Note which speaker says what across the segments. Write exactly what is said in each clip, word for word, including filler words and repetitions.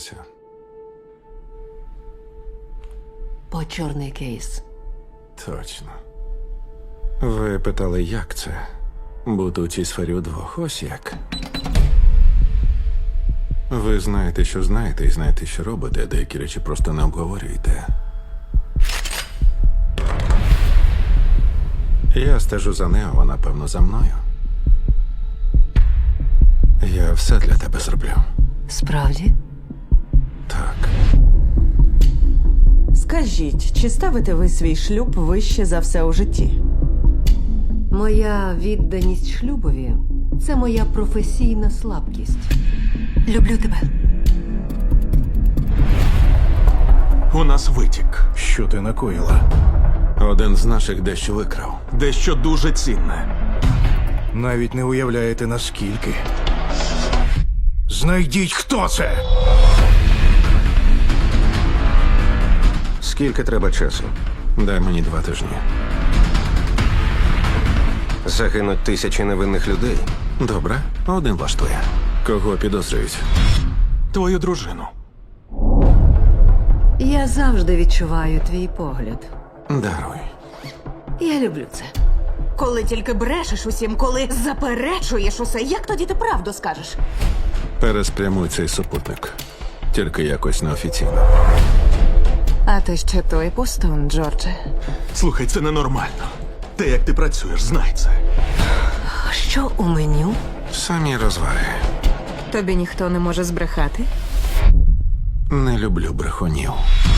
Speaker 1: По чорний кейс.
Speaker 2: Точно. Ви питали, як це? Бути у цій сфері удвох. Ось як. Ви знаєте, що знаєте, і знаєте, що робите, а деякі речі просто не обговорюєте. Я стежу за нею, вона, певно, за мною. Я все для тебе зроблю.
Speaker 1: Справді?
Speaker 2: Так.
Speaker 3: Скажіть, чи ставите ви свій шлюб вище за все у житті?
Speaker 1: Моя відданість шлюбові – це моя професійна слабкість. Люблю тебе.
Speaker 4: У нас витік.
Speaker 5: Що ти накоїла?
Speaker 2: Один з наших дещо викрав.
Speaker 4: Дещо дуже цінне.
Speaker 5: Навіть не уявляєте, наскільки. Знайдіть, хто це!
Speaker 6: Скільки треба часу?
Speaker 2: Дай мені два тижні.
Speaker 6: Загинуть тисячі невинних людей.
Speaker 2: Добре, один влаштує. Кого підозрюють?
Speaker 4: Твою дружину.
Speaker 1: Я завжди відчуваю твій погляд.
Speaker 2: Даруй.
Speaker 1: Я люблю це.
Speaker 7: Коли тільки брешеш усім, коли заперечуєш усе, як тоді ти правду скажеш?
Speaker 2: Переспрямуй цей супутник. Тільки якось неофіційно.
Speaker 7: А ти ще той пустун, Джордже.
Speaker 4: Слухай, це ненормально. Те, як ти працюєш, знай це.
Speaker 1: Що у меню?
Speaker 2: Самі розваги.
Speaker 7: Тобі ніхто не може збрехати?
Speaker 2: Не люблю брехунів.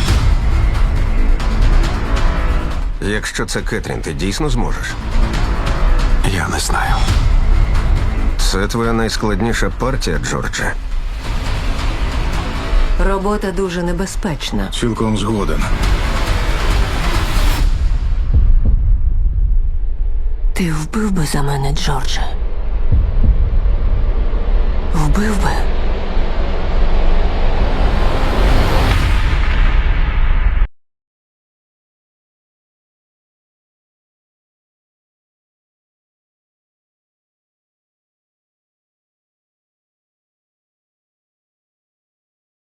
Speaker 6: Якщо це Кетрін, ти дійсно зможеш?
Speaker 2: Я не знаю.
Speaker 6: Це твоя найскладніша партія, Джордже.
Speaker 1: Робота дуже небезпечна.
Speaker 5: Цілком згоден.
Speaker 1: Ти вбив би за мене, Джордже? Вбив би?